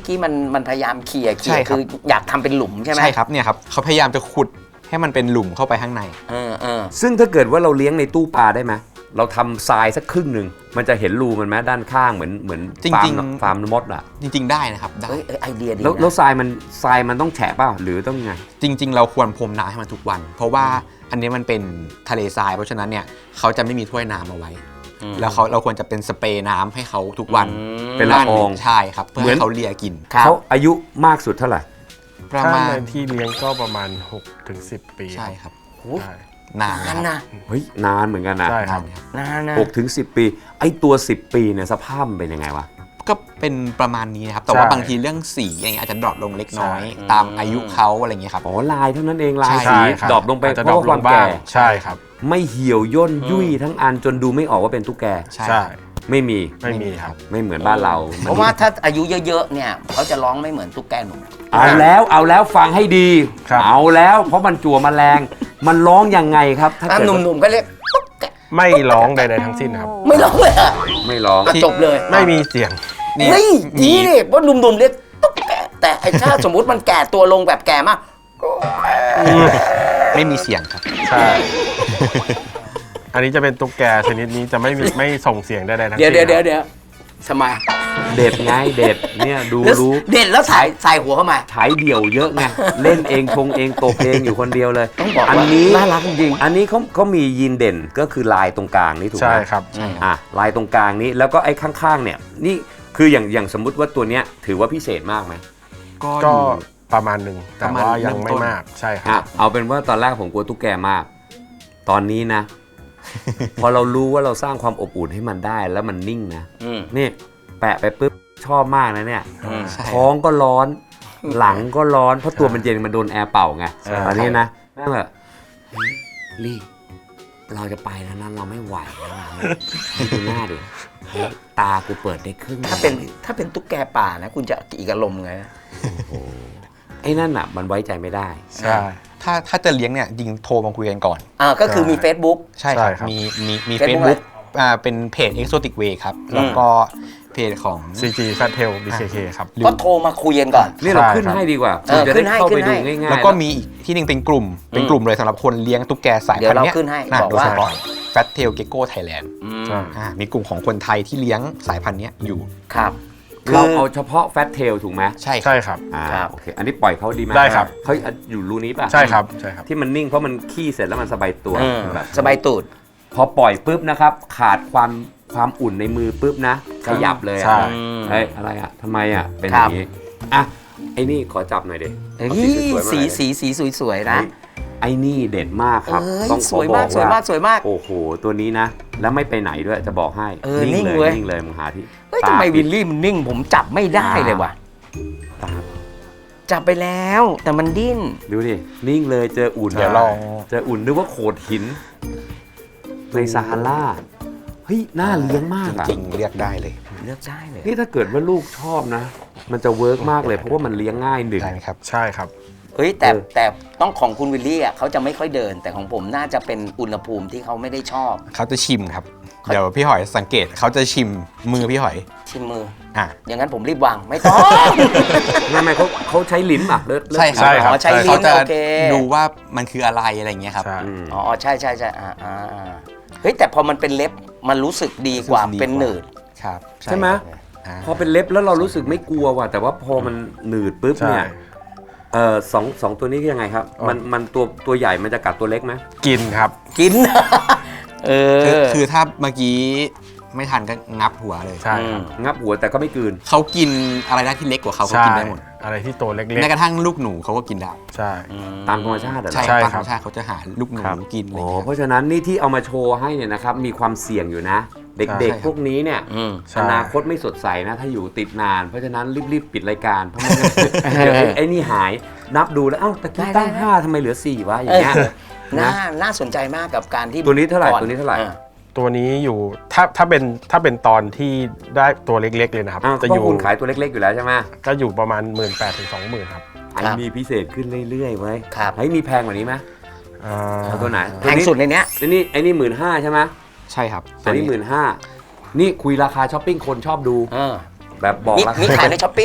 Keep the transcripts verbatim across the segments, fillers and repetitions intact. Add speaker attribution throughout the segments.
Speaker 1: กี้มันมันพยายามเขี่ยเขี่
Speaker 2: ใช่
Speaker 1: ย
Speaker 2: ครับ
Speaker 1: คืออยากทำเป็นหลุมใช่ไหม
Speaker 2: ใช่ครับเนี่ยครับเขาพยายามจะขุดให้มันเป็นหลุมเข้าไปข้างใน
Speaker 1: เออเออ
Speaker 3: ซึ่งถ้าเกิดว่าเราเลี้ยงในตู้ปลาได้ไหมเราทำทรายสักครึ่งหนึ่งมันจะเห็นรูมันไหมด้านข้างเหมือนเหมือน
Speaker 2: จริงๆ
Speaker 3: ฟาร์มฟาร์มมดอ่ะ
Speaker 2: จริง ๆได้นะครับได้
Speaker 1: เฮ้ยเอ้ยไอเดียดี
Speaker 3: แล้วแล้ว
Speaker 1: นะ
Speaker 3: ทรายมันทรายมันต้องแฉะเปล่าหรือต้องไง
Speaker 2: จริง ๆ เราควรพรมน้ำให้มันทุกวัน เพราะว่าอันนี้มันเป็นทะเลทรายเพราะฉะนั้นเนี่ยเขาจะไม่มีถ้วยน้ำเอาไว้ แล้วเขาเราควรจะเป็นสเปรย์น้ำให้เขาทุกวัน
Speaker 3: เป็นละออง
Speaker 2: ใช่ครับเพื่อ
Speaker 3: เหมือน
Speaker 2: ให้เขาเลียกิน
Speaker 3: เขาอายุมากสุดเท่าไหร่
Speaker 2: ประ
Speaker 4: ถ้า
Speaker 2: มาณ
Speaker 4: ในที่เลี้ยงก็ประมาณหกถึงสิบปี
Speaker 2: ใช่ครับ
Speaker 4: ใช่
Speaker 2: นาน
Speaker 1: นั่น
Speaker 2: นะ
Speaker 1: นะ
Speaker 3: เฮ้ยนานเหมือนกันนะ
Speaker 4: ใช่ค
Speaker 2: นา
Speaker 4: รับ
Speaker 2: นครับ
Speaker 1: นานนะ
Speaker 3: หกถึงสิบปีไอ้ตัวสิบปีเนี่ยสภาพมันเป็นยังไงวะ
Speaker 2: ก็เป็นประมาณนี้นะครับแต่ว่าบางทีเรื่องสีอย่างเงี้ยอาจจะดรอปลงเล็กน้อย ตามอายุเขาอะไรอย่างเงี้ยครับ
Speaker 3: อ๋อลายเท่านั้นเองลาย
Speaker 2: ใช่
Speaker 3: สี
Speaker 4: ครับ
Speaker 3: ดรอปลงไป
Speaker 4: อาจจะ
Speaker 3: เพราะว่าความ
Speaker 4: บ้า
Speaker 3: แก่
Speaker 4: งใช่ครับ
Speaker 3: ไม่เหี่ยวย่นยุ่ยทั้งอันจนดูไม่ออกว่าเป็นตุ๊กแก
Speaker 2: ใช่
Speaker 4: ใช่
Speaker 3: ไม่มี
Speaker 4: ไม่มีครับ
Speaker 3: ไม่เหมือนบ้านเรา
Speaker 1: เพราะว่าถ้าอายุเยอะๆเนี่ยเขาจะร้องไม่เหมือนตุ๊กแกหนุ่ม
Speaker 3: เอาแล้วเอาแล้วฟังให้ดี
Speaker 4: ครับ
Speaker 3: เอาแล้วเพราะมันจั่วแมลงมันร้องยังไงครับถ้า
Speaker 1: อ่ะ
Speaker 3: เกิด
Speaker 1: หนุ่มๆก็เรียกตุ๊กแก
Speaker 4: ไม่ร้องใดๆทั้งสิ้นครับ
Speaker 1: ไม่ร้องเลยอ่ะ
Speaker 3: ไม่ร้อง
Speaker 1: อ่ะจบเลย
Speaker 4: ไม่มีเสียง
Speaker 2: นี่
Speaker 1: นี่
Speaker 2: มี
Speaker 1: ดีดิเพราะหนุ่มๆเรียกตุ๊กแกแต่ไอ้ถ้าสมมติมันแก่ตัวลงแบบแก่มาก
Speaker 2: ไม่มีเสียงครับ
Speaker 4: ใช่ อันนี้จะเป็นตุ๊กแกชนิดนี้จะไม่มีไม่ส่งเสียงใดๆทั้ง
Speaker 1: เดี๋ยว
Speaker 4: สิ้น
Speaker 1: เดี๋ยวเดี๋ยวเดี๋ยวทำไม
Speaker 3: เด็ดไงเด็ดเนี่ยดู
Speaker 1: แล้ว
Speaker 3: รู้
Speaker 1: เด่นแล้วถ่ายใส่หัวเข้ามา
Speaker 3: ฉายเดี่ยวเยอะไงเล่นเองชงเองโตเพลงอยู่คนเดียวเลย
Speaker 1: ต้องบอก
Speaker 3: อัน
Speaker 1: ว่า
Speaker 3: นี้
Speaker 1: น่ารักจริง
Speaker 3: อันนี้เขาเขามียีนเด่นก็คือลายตรงกลางนี่ถูกไหม
Speaker 4: ใช่ครับ
Speaker 3: อ่ะลายตรงกลางนี้แล้วก็ไอ้ข้างๆเนี่ยนี่คืออย่างอย่างสมมุติว่าตัวเนี้ยถือว่าพิเศษมากไหม
Speaker 2: ก็
Speaker 4: ก็
Speaker 2: อยู่
Speaker 4: ประมาณหนึ่งแต่
Speaker 2: ประมาณ
Speaker 4: ว่ายัง
Speaker 2: เริ่ม
Speaker 4: ไม่
Speaker 2: ต้น
Speaker 4: มากใช่ค
Speaker 3: อ่ะ
Speaker 4: รับ
Speaker 3: เอาเป็นว่าตอนแรกผมกลัวตุ๊กแกมาก ตอนนี้นะ พอเรารู้ว่าเราสร้างความอบอุ่นให้มันได้แล้วมันนิ่งนะ
Speaker 1: อืม
Speaker 3: นี่แปะไปปุ๊บชอบมากนะเนี่ย
Speaker 1: อืม
Speaker 2: ใช่
Speaker 3: ท้องก็ร้อน หลังก็ร้อนเพราะตัวมันเย็นมันโดนแอร์เป่าไง
Speaker 4: ใช่
Speaker 3: ตอนนี้นะนั่งแบบเฮ้ยลี่เราจะไปแล้วนะเราไม่ไหวแล้วนะดูหน้าดิเฮ้ยตากูเปิดได้ครึ่ง
Speaker 1: ถ้าเป็นถ้าเป็นตุ๊กแกป่านะ คุณจะอีกอารมณ์ไง
Speaker 3: ไอ้นั่นอ่ะมันไว้ใจไม่ได้
Speaker 4: ใช่
Speaker 2: ถ้าถ้าจะเลี้ยงเนี่ยจริงโทรมาคุยกันก่อน
Speaker 1: อ่าก็คือมี Facebook
Speaker 2: ใช่ค
Speaker 4: ใช่
Speaker 2: รับ
Speaker 4: ครับ
Speaker 2: มีมีมี
Speaker 1: Facebook
Speaker 2: Facebook อ่าเป็นเพจ Exotic Way ครับ แล้วก็เพจของ
Speaker 4: ซี จี Fat Tail บี เค เค ครับ
Speaker 1: ก็โทรมาคุยกันก่อน
Speaker 3: นี่เรา
Speaker 4: ใช่
Speaker 3: ขึ้น
Speaker 4: ครับ
Speaker 3: ให้ดีกว่า
Speaker 1: เออ
Speaker 3: คุณจะ
Speaker 1: ขึ้
Speaker 3: ได้
Speaker 1: นให้
Speaker 3: เข้าไป
Speaker 1: ขึ้น
Speaker 3: ดู
Speaker 1: ให้
Speaker 3: ง่ายๆ
Speaker 2: แล้วก็มีอีกที่หนึงเป็นกลุ่ม เป็นกลุ่มเลยสำหรับคนเลี้ยงตุ๊กแกสาย
Speaker 1: เดี๋ย
Speaker 2: พัน
Speaker 1: ว
Speaker 2: ธุ์
Speaker 1: เรา
Speaker 2: เนี้ย
Speaker 1: ขึ้นให้
Speaker 2: นะ
Speaker 1: บอก
Speaker 2: โดย
Speaker 1: ว่า
Speaker 2: เฉพาะ Fat Tail Gecko Thailand
Speaker 4: ใช่
Speaker 2: อ่ามีกลุ่มของคนไทยที่เลี้ยงสายพันธุ์เนี้ยอยู่
Speaker 1: ครับ
Speaker 3: เราเอาเฉพาะแฟตเทลถูกไหม
Speaker 2: ใช่ค
Speaker 4: ใช่
Speaker 2: รับ
Speaker 4: ครับ
Speaker 3: อ่า
Speaker 1: ครับ
Speaker 3: โอเคอันนี้ปล่อยเขาดีไหม
Speaker 4: ได้ครับ
Speaker 3: เขาอยู่รูนี้ป่ะ
Speaker 4: ใช่ครับใช่ครับ
Speaker 3: ที่มันนิ่งเพราะมันขี้เสร็จแล้วมันสบายตัว
Speaker 1: เออ
Speaker 3: แบบ
Speaker 1: สบายตูด
Speaker 3: พอปล่อยปุ๊บนะครับ ขาดความความอุ่นในมือปุ๊บนะ ขยับเลย
Speaker 4: ใช่
Speaker 3: อะเฮ้ยอะไรอ่ะทำไมอ่ะเป็นอย่างนี้อ่ะไอ้นี่ขอจับหน่อยดิ
Speaker 1: เฮ้ย
Speaker 3: เอาสีสวยๆมาห
Speaker 1: สี
Speaker 3: น่อยดิ
Speaker 1: สีสีสวยๆนะ
Speaker 3: ไอ้นี่เด็ดมากครับ
Speaker 1: เอ้ย
Speaker 3: ต้องข
Speaker 1: ส
Speaker 3: อ
Speaker 1: วย
Speaker 3: บอ
Speaker 1: มาก
Speaker 3: ก
Speaker 1: สวย
Speaker 3: ว่า
Speaker 1: มากสวยมาก
Speaker 3: โอ้โหตัวนี้นะ แล้วไม่ไปไหนด้วยจะบอกให้
Speaker 1: เออนิ่ง
Speaker 3: เล
Speaker 1: เว้
Speaker 3: ย
Speaker 1: ย
Speaker 3: นิ่งเลยมึงหาที่
Speaker 1: เฮ้ย
Speaker 3: ตา
Speaker 1: ทำไม
Speaker 3: ปิ
Speaker 1: วิ
Speaker 3: ด
Speaker 1: ลลี่มันนิ่ง ผมจับไม่ได้เลยว่ะ
Speaker 3: ตา
Speaker 1: จับไปแล้วแต่มันดิ้น
Speaker 3: ดูดินิ่งเลยเจออุ่น
Speaker 4: เดี๋ยวลอง
Speaker 3: เจออุ่นนึกว่าโขดหินในซาฮาราเฮ้ยน่าเลี้ยงมากอะ
Speaker 2: จริงๆเรียกได้เลย
Speaker 1: เลือกได้เลย
Speaker 3: นี่ถ้าเกิดว่าลูกชอบนะ มันจะเวิร์กมากเลยเพราะว่ามันเลี้ยงง่ายหนึ่ง
Speaker 2: ได้ไหมครับ
Speaker 4: ใช่ครับ
Speaker 1: เฮ้ยแต่
Speaker 3: เออ
Speaker 1: แต่ต้องของคุณวิลลี่อ่ะเขาจะไม่ค่อยเดิน แต่ของผมน่าจะเป็นอุณหภูมิที่เขาไม่ได้ชอบ
Speaker 2: เขาจะชิมครับ เดี๋ยวพี่หอยสังเกตเขาจะชิมมือพี่หอย
Speaker 1: ชิมมือ
Speaker 2: อ่ะ
Speaker 1: อย่างนั้นผมรีบวางไม่ต้อง
Speaker 3: ไม่ไม่เขาเขาใช้ลิ้นป่ะเลิศเลิศ
Speaker 2: ใช่ค
Speaker 4: ใช่
Speaker 2: รับ
Speaker 4: ครับ
Speaker 1: อ๋อใช้ลิ้
Speaker 2: เขา
Speaker 1: น
Speaker 2: จะ
Speaker 1: โอเค
Speaker 2: ดูว่ามันคืออะไรอะไรอย่างเงี้ยครับ
Speaker 4: ใช่
Speaker 3: อืม
Speaker 1: อ๋อใช่ใช่ใช่อ่าอ่าอ่าเฮ้ยแต่พอมันเป็นเล็บมันรู้สึกดีกว่า
Speaker 2: รู้สึกดีกว่า
Speaker 1: เป็นหนืด
Speaker 2: ครับ
Speaker 3: ใช่ไหม
Speaker 2: อ่า
Speaker 3: พอเป็นเล็บแล้วเรารู้สึกไม่กลัวว่ะแต่ว่าพอมันหนืดปุ๊บ
Speaker 4: ใช่
Speaker 3: เนี่ยเออสองสองตัวนี้ยังไงครับ
Speaker 4: อ๋อ
Speaker 3: มันมันตัวตัวใหญ่มันจะกัดตัวเล็กไหม
Speaker 4: กินครับ
Speaker 1: กิน เออ
Speaker 2: คือคือถ้าเมื่อกี้ไม่ทันก็งับหัวเลย
Speaker 4: ใช่ครับ
Speaker 3: งับหัวแต่ก็ไม่กลืน
Speaker 2: เขากินอะไรได้ที่เล็กกว่าเขาเขา
Speaker 4: ใช่
Speaker 2: กินได้หมด
Speaker 4: อะไรที่ตัวเล็ก
Speaker 2: แม้กระทั่งลูกหนูเขาก็กินได้
Speaker 4: ๆ ใช่
Speaker 3: ตามธรรมชาติเหรอ
Speaker 2: ใช่
Speaker 4: ใช่
Speaker 2: ตาม
Speaker 4: ค
Speaker 2: ธร
Speaker 4: รับ
Speaker 2: รมชาติเขาจะหาลูกหนู
Speaker 3: ครับ
Speaker 2: กินอะไร
Speaker 3: โอ้
Speaker 2: เงี้ย
Speaker 3: เพราะฉะนั้นนี่ที่เอามาโชว์ให้เนี่ยนะครับมีความเสี่ยงอยู่นะ เด็ก
Speaker 2: ใช่
Speaker 3: ๆ พวกนี้เนี่ย
Speaker 1: อืม
Speaker 4: ใช่
Speaker 3: อนาคตไม่สดใสนะ ถ้าอยู่ติดนาน เพราะฉะนั้นรีบๆปิดรายการเพราะไม่งั้นเดี๋ยวไอ้ไอ้นี่หายนับดูแล้วเอ้าตะกี้
Speaker 1: ได้
Speaker 3: ตั้ง
Speaker 1: ได้
Speaker 3: ห้าทำไมเหลือสี่วะอย่างเงี้ย
Speaker 1: น่า
Speaker 3: นะ
Speaker 1: น่าสนใจมากกับการที่
Speaker 3: ตัวนี้เท่าไหร่
Speaker 1: ก่อ
Speaker 3: ตัวนี้เท่าไหร่
Speaker 1: อ่
Speaker 4: ตัวนี้อยู่ถ้าถ้าเป็นถ้าเป็นตอนที่ได้ตัวเล็กๆเลยนะครับ
Speaker 3: อ้าว
Speaker 4: จะ
Speaker 3: เพ
Speaker 4: อยู่
Speaker 3: ราะคุณขายตัวเล็กๆอยู่แล้วใช่ไหม
Speaker 4: ก็อยู่ประมาณ หนึ่งหมื่นแปดพัน ถึง สองหมื่น ครับ
Speaker 3: ไอ้มีพิเศษขึ้นเรื่อยๆเว้ย
Speaker 1: ครับ
Speaker 3: ไอ้มีแพงกว่านี้ไหม
Speaker 4: อ่า
Speaker 3: เอาตัวไหน
Speaker 1: แพงสุดในเนี้ย
Speaker 3: ไอ้นี่ไอ้นี่หมื่นห้าใช่ไหม
Speaker 2: ใช่ครับ
Speaker 3: อันนี้หมื่นห้านี่คุยราคาช้อปปิ้งคนชอบดู
Speaker 1: เออ
Speaker 3: แบบบอก
Speaker 1: มี
Speaker 3: ราคา
Speaker 1: มีขายในช้อปปี้ไหม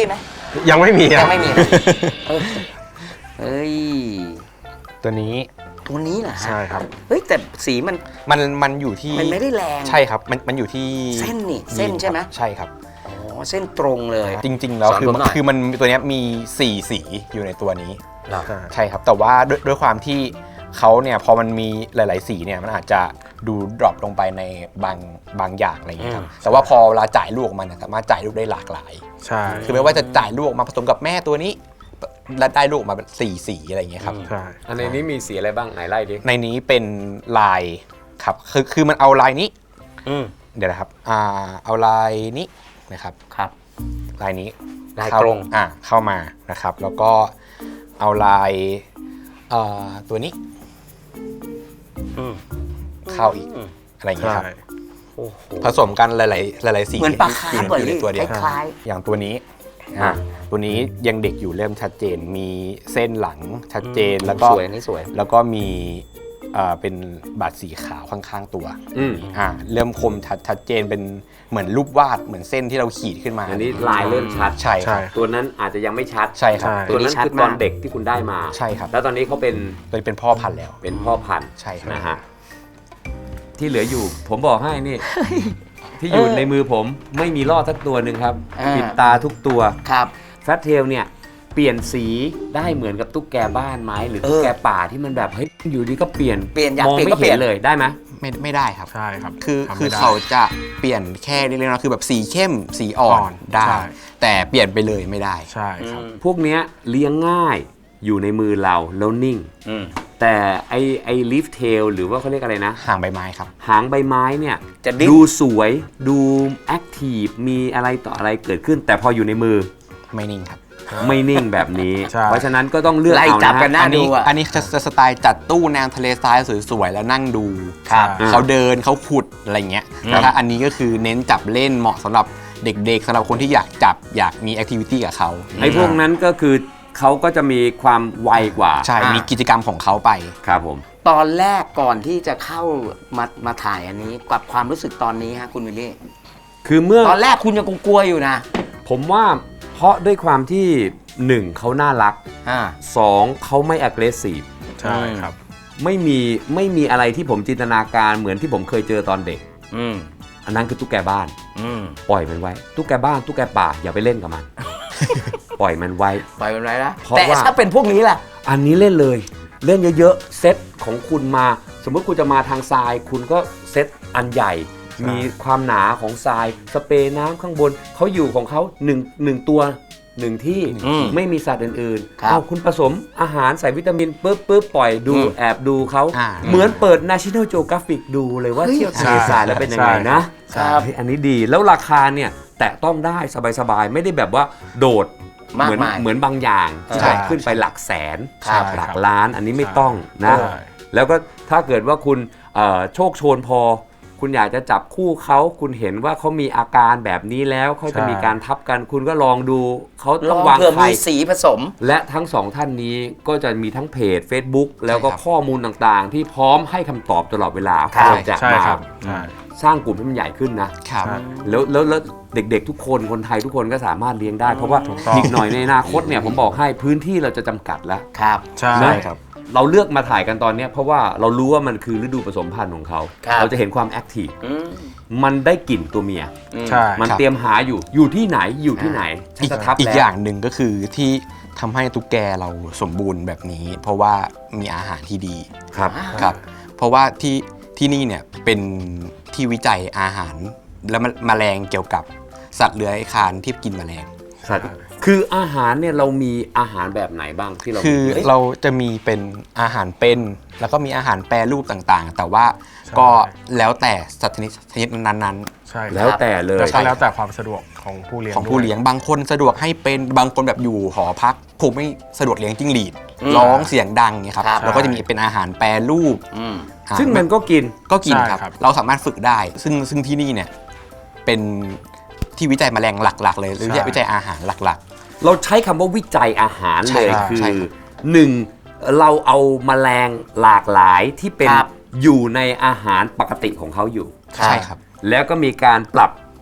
Speaker 4: ยังไม่มี
Speaker 1: ยังไม่มีเลยเออเฮ้ย
Speaker 2: ตัวนี้
Speaker 1: ตัวนี้เหรอฮะ
Speaker 4: ใช่ครับ
Speaker 1: เฮ้ยแต่สีมัน
Speaker 2: มันมันอยู่ที่
Speaker 1: มันไม่ได้แรง
Speaker 2: ใช่ครับมันมันอยู่ที่
Speaker 1: เส้นนี่เส้นใช่ไหม
Speaker 2: ใช่ครับ
Speaker 1: อ๋อเส้นตรงเลย
Speaker 2: จริง ๆ แล้ว
Speaker 1: สอน
Speaker 2: คือ
Speaker 1: ผมหน่อย
Speaker 2: คือมันตัวเนี้ยมีสี่สีอยู่ในตัวนี้
Speaker 1: เหรอ
Speaker 4: ใช่
Speaker 2: ใช่ครับ แต่ว่าด้วยด้วยความที่เขาเนี่ยพอมันมีหลาย ๆ สีเนี่ยมันอาจจะดูดรอปลงไปในบางบางอย่างอะไรอย่างเงี้ยครับแต่ว่าพอเวลาจ่ายลูกออกมาเนี่ยสามารถจ่ายลูกได้หลากหลาย
Speaker 4: ใช่
Speaker 2: คือไม่ว่าจะจ่ายลูกออกมาผสมกับแม่ตัวนี้แล้วได้ลูกออกมาเป็นสี่สีอะไรอย่างเงี้ยครับ
Speaker 4: ใช่
Speaker 3: อันในนี้มีสีอะไรบ้างไหนไล่ดิ
Speaker 2: ในนี้เป็นลายครับคือคือมันเอาลายนี้
Speaker 1: อืม
Speaker 2: เดี๋ยวนะครับอ่าเอาลายนี้นะครับ
Speaker 1: ครับ
Speaker 2: ลายนี้
Speaker 1: ลาย
Speaker 2: เข้
Speaker 1: ตรง
Speaker 2: อ่าเข้ามานะครับ แล้วก็เอาลายเอ่อตัวนี้
Speaker 1: อืม
Speaker 2: เข้าอีกอะไรอย่างเงี้ย
Speaker 4: ใช่
Speaker 2: ครับ
Speaker 1: โอ้โห
Speaker 2: ผสมกันหลายๆหลายๆสี
Speaker 1: เหมือนปลาคาร์ฟ
Speaker 2: อยู่ในอยู่ในตัวเดียว
Speaker 1: คล้าย
Speaker 2: อย่างตัวนี้
Speaker 3: อ่ะ
Speaker 2: ตัวนี้ยังเด็กอยู่เริ่มชัดเจน มีเส้นหลังชัด
Speaker 1: ๆ
Speaker 2: เจนแล้วก็
Speaker 1: สวยอันนี้สวย
Speaker 2: แล้วก็มีเอ่อเป็นบาดสีขาวข้างๆตัว
Speaker 3: อืม
Speaker 2: อ่าเริ่มคมชัดชัดเจนเป็นเหมือนรูปวาดเหมือนเส้นที่เราขีดขึ้นมา
Speaker 3: อันนี้ลายเริ่มชัด
Speaker 2: ใช่ค
Speaker 4: ใช่
Speaker 2: รับ
Speaker 3: ตัวนั้นอาจจะยังไม่ชัด
Speaker 2: ใช่ครับ
Speaker 4: ใช่
Speaker 3: ตัวนั้นคือตอนเด็กที่คุณได้มา
Speaker 2: ใช่ครับ
Speaker 3: แล้วตอนนี้เขาเป็น
Speaker 2: เลยเป็นพ่อพันธุ์แล้ว
Speaker 3: เป็นพ่อพันธุ์
Speaker 2: ใช่ครับ
Speaker 3: นะฮะที่เหลืออยู่ผมบอกให้นี่ ที่อยู่
Speaker 1: เออ
Speaker 3: ในมือผมไม่มีลอดสักตัวหนึ่งครับ
Speaker 1: อ่า
Speaker 3: ปิดตาทุกตัว
Speaker 1: ครับ
Speaker 3: แฟตเทลเนี่ยเปลี่ยนสีได้เหมือนกับตุ๊กแกบ้านไหมหรือ
Speaker 1: เออ
Speaker 3: ตุ๊กแกป่าที่มันแบบเฮ้ยอยู่ดีก็เปลี่ยน
Speaker 1: เปลี่ยนอยาก
Speaker 3: มอง
Speaker 1: เปลี่ยน
Speaker 3: ไม่
Speaker 1: ก็เปลี่
Speaker 3: เห็
Speaker 1: ยน
Speaker 3: นเลยได้ไหม
Speaker 2: ไม่ไม่ได้ครับ
Speaker 4: ใช่ครับ
Speaker 2: คือ
Speaker 4: ทำ
Speaker 2: คือ
Speaker 4: ไม่ได้
Speaker 2: เขาจะเปลี่ยนแค่เล็กๆน้อยๆคือแบบสีเข้มสีอ่อ
Speaker 4: อ่อน น
Speaker 2: ได้
Speaker 4: ใช่
Speaker 2: แต่เปลี่ยนไปเลยไม่ได้
Speaker 4: ใช่ครับ
Speaker 3: พวกเนี้ยเลี้ยงง่ายอยู่ในมือเราแล้วนิ่ง
Speaker 1: อืม
Speaker 3: แต่ไอไอลิฟเทลหรือว่าเขาเรียกอะไรนะ
Speaker 2: ห่างใบไม้ครับ
Speaker 3: หางใบไม้เนี่ย
Speaker 1: จะดิ้น
Speaker 3: ดูสวยดูแอคทีฟมีอะไรต่ออะไรเกิดขึ้น แต่พออยู่ในมือ
Speaker 2: ไม่นิ่งครับ
Speaker 3: ไม่นิ่งแบบนี้
Speaker 4: ใช่
Speaker 3: เพราะฉะนั้นก็ต้องเลือก
Speaker 1: ไล่
Speaker 3: เอา
Speaker 1: จับ
Speaker 3: นะ
Speaker 1: กัน
Speaker 3: ฮะ
Speaker 1: น่า
Speaker 2: อันนี้
Speaker 1: ดูอะ
Speaker 2: อันนี้จะจะสไตล์จัดตู้แนวทะเลทรายสวยๆแล้วนั่งดู
Speaker 1: ครับ
Speaker 4: ใช่
Speaker 2: เขาเดินเขาขุดอะไรเงี้ยแต่ถ้าอันนี้ก็คือเน้นจับเล่นเหมาะสำหรับเด็กๆสำหรับคนที่อยากจับอยากมีแอคทิวิตี้กับเขา
Speaker 3: ไอ้พวกนั้นก็คือเขาก็จะมีความไวกว่า
Speaker 2: ใช่
Speaker 1: อ่ามี
Speaker 2: มีกิจกรรมของเขาไป
Speaker 3: ครับผม
Speaker 1: ตอนแรกก่อนที่จะเข้ามามาถ่ายอันนี้กับความรู้สึกตอนนี้ฮะคุณวิลลี่
Speaker 3: คือเมื่อ
Speaker 1: ตอนแรกคุณยังกลัวๆอยู่นะ
Speaker 3: ผมว่าเพราะด้วยความที่หนึ่งเขาน่ารัก
Speaker 1: อ่า
Speaker 3: สองเขาไม่ aggressive
Speaker 4: ใช่ครับ
Speaker 3: ไม่มีไม่มีอะไรที่ผมจินตนาการเหมือนที่ผมเคยเจอตอนเด็ก
Speaker 1: อืม
Speaker 3: อันนั้นคือตุ๊กแกบ้าน
Speaker 1: อืม
Speaker 3: ปล่อยมันไว้ ตุ๊กแกบ้านตุ๊กแกป่าอย่าไปเล่นกับมัน ปล่อยมันไว้
Speaker 1: ปล่อยมันไว้นะ
Speaker 3: เพราะ
Speaker 1: แต่
Speaker 3: ว่า
Speaker 1: ถ้าเป็นพวกนี้ล่ะ
Speaker 3: อันนี้เล่นเลย เล่นเยอะๆเซตของคุณมา สมมติคุณจะมาทางทราย คุณก็เซตอันใหญ่ มีความหนาของทรายสเปรย์น้ำข้างบนเขาอยู่ของเขาหนึ่งหนึ่งตัวหนึ่งที่
Speaker 1: อืม
Speaker 3: ไม่มีสัตว์อื่น
Speaker 1: ครับ
Speaker 3: ๆเอาคุณผสมอาหารใส่วิตามินปุ๊บปุ๊บปล่อยดู
Speaker 1: อืม
Speaker 3: แอบดูเขา
Speaker 2: อ่า
Speaker 3: เหมือนเปิด National Geographic ดูเลยว่า
Speaker 1: เฮ้ย
Speaker 3: เที่ยวทะเลทรายแล้วเป็นยังไงนะ
Speaker 1: ใช่ครับ
Speaker 3: เฮ้ยอันนี้ดีแล้วราคาเนี่ยแตะต้องได้สบายๆ ไม่ได้แบบว่าโดด
Speaker 1: มาก
Speaker 3: เหมือน
Speaker 1: มาย
Speaker 3: เหมือนบางอย่างที่
Speaker 2: ใช่
Speaker 3: แบบขึ้นไปหลักแสน
Speaker 4: ครับ
Speaker 3: หลักล้านอันนี้ไม่ต้องนะ
Speaker 4: ใช่
Speaker 3: แล้วก็ถ้าเกิดว่าคุณเอ่อโชคโชนพอ คุณอยากจะจับคู่เขาคุณเห็นว่าเขามีอาการแบบนี้แล้วเขาจะ
Speaker 4: ใช่
Speaker 3: มีการทับกัน คุณก็ลองดูเขา
Speaker 1: ล
Speaker 3: ต้อ
Speaker 1: อง ง
Speaker 3: วาง
Speaker 1: เผื่อ
Speaker 3: ไข่
Speaker 1: มีสีผสม
Speaker 3: และทั้งสองท่านนี้ก็จะมีทั้งเพจ Facebook แล้วก็
Speaker 2: ใช่ครับ
Speaker 3: ข้อมูลต่างๆ ที่พร้อมให้คำตอบตลอดเวลา
Speaker 1: ครับ
Speaker 3: เราจะ
Speaker 4: ใช่
Speaker 3: มา
Speaker 4: ครับใช่
Speaker 3: สร้างกลุ่มให้มันใหญ่ขึ้นนะ
Speaker 2: ครับ
Speaker 4: ใช่
Speaker 3: แล้วแล้วแล้วเด็กๆทุกคนคนไทยทุกคนก็สามารถเลี้ยงได้ เพราะว่า
Speaker 4: ถูกต้อง
Speaker 3: อีกหน่อยในอนาคตเนี่ยผมบอกให้พื้นที่เราจะจำกัดแล้ว
Speaker 1: ครับ
Speaker 4: ใช่
Speaker 3: นะ
Speaker 2: ครับ
Speaker 3: เราเลือกมาถ่ายกันตอนเนี้ยเพราะว่าเรารู้ว่ามันคือฤดูผสมพันธุ์ของเขา
Speaker 1: ครับ
Speaker 3: เราจะเห็นความแอคทีฟ
Speaker 1: อืม
Speaker 3: มันได้กลิ่นตัวเมีย
Speaker 1: อืม
Speaker 4: ใช่
Speaker 3: มัน
Speaker 2: ครับ
Speaker 3: เตรียมหาอยู่อยู่ที่ไหนอยู่ที่ไหนฉัน
Speaker 2: อีก
Speaker 3: จะทับ
Speaker 2: อีก
Speaker 3: แล้ว
Speaker 2: อย่างหนึ่งก็คือที่ทำให้ตุ๊กแกเราสมบูรณ์แบบนี้ เพราะว่ามีอาหารที่ดี
Speaker 3: ครับ
Speaker 2: ครับ เพราะว่าที่ที่นี่เนี่ยเป็นที่วิจัยอาหาร และมแมลงเกี่ยวกับสัตว์เลื้อยคลานที่กินแมลง
Speaker 3: สัตว์คืออาหารเนี่ยเรามีอาหารแบบไหนบ้างที่เรา
Speaker 2: คือ
Speaker 3: เฮ้ย
Speaker 2: เราจะมีเป็นอาหารเป็น แล้วก็มีอาหารแปรรูปต่างๆ แต่ว่า
Speaker 4: ใช่
Speaker 2: ก็แล้วแต่สัตว์ชนิดชนิดนั้น
Speaker 4: ใช่
Speaker 3: แล้วแต่เลย
Speaker 4: แล้วก็แล้วแต่ความสะดวกของผู้เลี้ยง
Speaker 2: ๆ ของผู้
Speaker 4: ด้วย
Speaker 2: เลี้ยงบางคนสะดวกให้เป็นบางคนแบบอยู่หอพักผมไม่สะดวกเลี้ยงจิ้งหรีด
Speaker 1: อืม
Speaker 2: ร้องเสียงดังเนี่ยครับ
Speaker 1: ครับ
Speaker 2: เราก็จะมีเป็นอาหารแปรรูป
Speaker 1: อืม
Speaker 2: อ่า
Speaker 3: ซึ่งมันก็กิน
Speaker 2: ก็กินครับ
Speaker 4: ใช่ครับ
Speaker 2: เราสามารถฝึกได้ ซึ่งซึ่งที่นี่เนี่ยเป็นที่วิจัยแมลงหลัก ๆ เลยหรือ
Speaker 4: ใช่
Speaker 2: วิจัยอาหารหลัก
Speaker 3: เราใช้คำว่าวิจัยอาหาร
Speaker 2: ใช่
Speaker 3: เลย
Speaker 2: ครับ
Speaker 3: คื
Speaker 2: ใช่
Speaker 3: อ
Speaker 2: ครับ
Speaker 3: หนึ่งเราเอาแมลงหลากหลายที่เป็น
Speaker 1: ครับ
Speaker 3: อยู่ในอาหารปกติของเขาอยู่
Speaker 2: ๆ ใช่ครับ
Speaker 3: แล้วก็มีการปรับ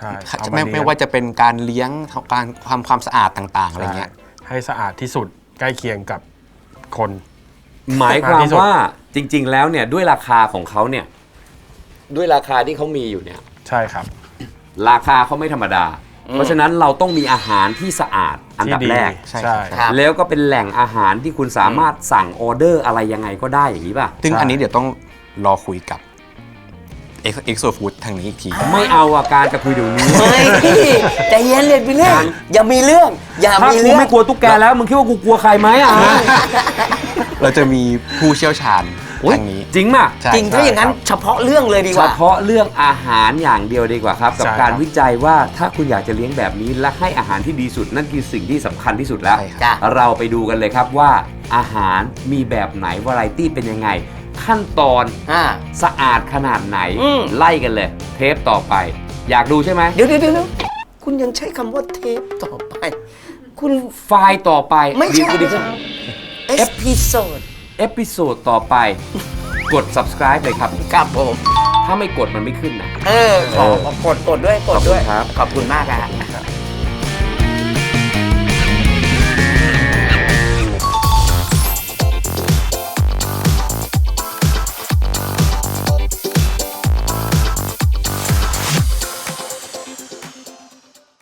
Speaker 4: ใช่เอามา
Speaker 2: ไม่
Speaker 4: เลี้ยง
Speaker 2: ไม่ว่าจะเป็นการเลี้ยงการทำความสะอาดต่างๆอะไรเงี้ย
Speaker 4: ใช่ให้สะอาดที่สุดใกล้เคียงกับคน
Speaker 3: หมายความ
Speaker 4: ที่สุด
Speaker 3: ว่าจริง ๆ แล้วเนี่ยด้วยราคาของเขาเนี่ยด้วยราคาที่เขามีอยู่เนี่ย
Speaker 4: ใช่ครับ
Speaker 3: ราคาเขาไม่ธรรมดา เพราะฉะนั้นเราต้องมีอาหารที่สะอาดอันดับ
Speaker 4: ที่ดี
Speaker 3: แรก
Speaker 2: ใช่
Speaker 4: ใช่
Speaker 1: ครับ
Speaker 3: แล้วก็เป็นแหล่งอาหารที่คุณสามารถสั่งออเดอร์อะไรยังไงก็ได้อย่างนี้ป่ะ
Speaker 2: ซึ่ง
Speaker 4: ใช่
Speaker 2: อันนี้เดี๋ยวต้องรอคุยกับ X O Food ทางนี้อีกที
Speaker 3: ไม่เอาอาการจะคุยเดี๋ยวนี้
Speaker 1: เฮ้ยใจเย็นเลยพี่เล่นอย่ามีเรื่อง อย่า
Speaker 3: ถ้า
Speaker 1: มี
Speaker 3: กู
Speaker 1: เรื่อง
Speaker 3: ไม่กลัวตุ๊กแกแล้วมึงคิดว่ากูกลัวใครไหมอ่ะ
Speaker 2: เราจะมีผู้เชี่ยวชาญ
Speaker 3: โอ๊ย
Speaker 2: ทางนี้
Speaker 3: จริงป่ะ
Speaker 2: ใช่
Speaker 1: จริงถ้าอย่างนั้น
Speaker 4: ครับ
Speaker 1: เฉพาะเรื่องเลยดีก
Speaker 3: เฉ
Speaker 1: ว่า
Speaker 3: พาะเรื่องอาหารอย่างเดียวดีกว่าครับ กับ
Speaker 4: ใช่ครับ
Speaker 3: การวิจัยว่าถ้าคุณอยากจะเลี้ยงแบบนี้และให้อาหารที่ดีสุดนั่นคือสิ่งที่สำคัญที่สุดแล้ว
Speaker 2: ใช่ครับ
Speaker 1: จ้ะ
Speaker 3: เราไปดูกันเลยครับว่าอาหารมีแบบไหนวาไรตี้เป็นยังไง ขั้นตอน
Speaker 1: อ่า
Speaker 3: สะอาดขนาดไหน
Speaker 1: อืม
Speaker 3: ไล่กันเลย เทปต่อไป อยากดูใช่ไหม
Speaker 1: เดี๋ยวเดี๋ยวเดี๋ยวคุณยังใช้คำว่าเทปต่อไป คุณ
Speaker 3: ไฟล์ต่อไป
Speaker 1: ไม่ใช่
Speaker 3: ดีกว่า
Speaker 1: เอพิโซด
Speaker 3: เอพิโซดต่อไป กด subscribe เลยครับ
Speaker 1: ครับผม
Speaker 3: ถ้าไม่กดมันไม่ขึ้นนะ
Speaker 1: เออ ขอขอกดกดด้วยกดด้วย
Speaker 3: ขอบคุณครับ
Speaker 1: ขอบคุณมากครับ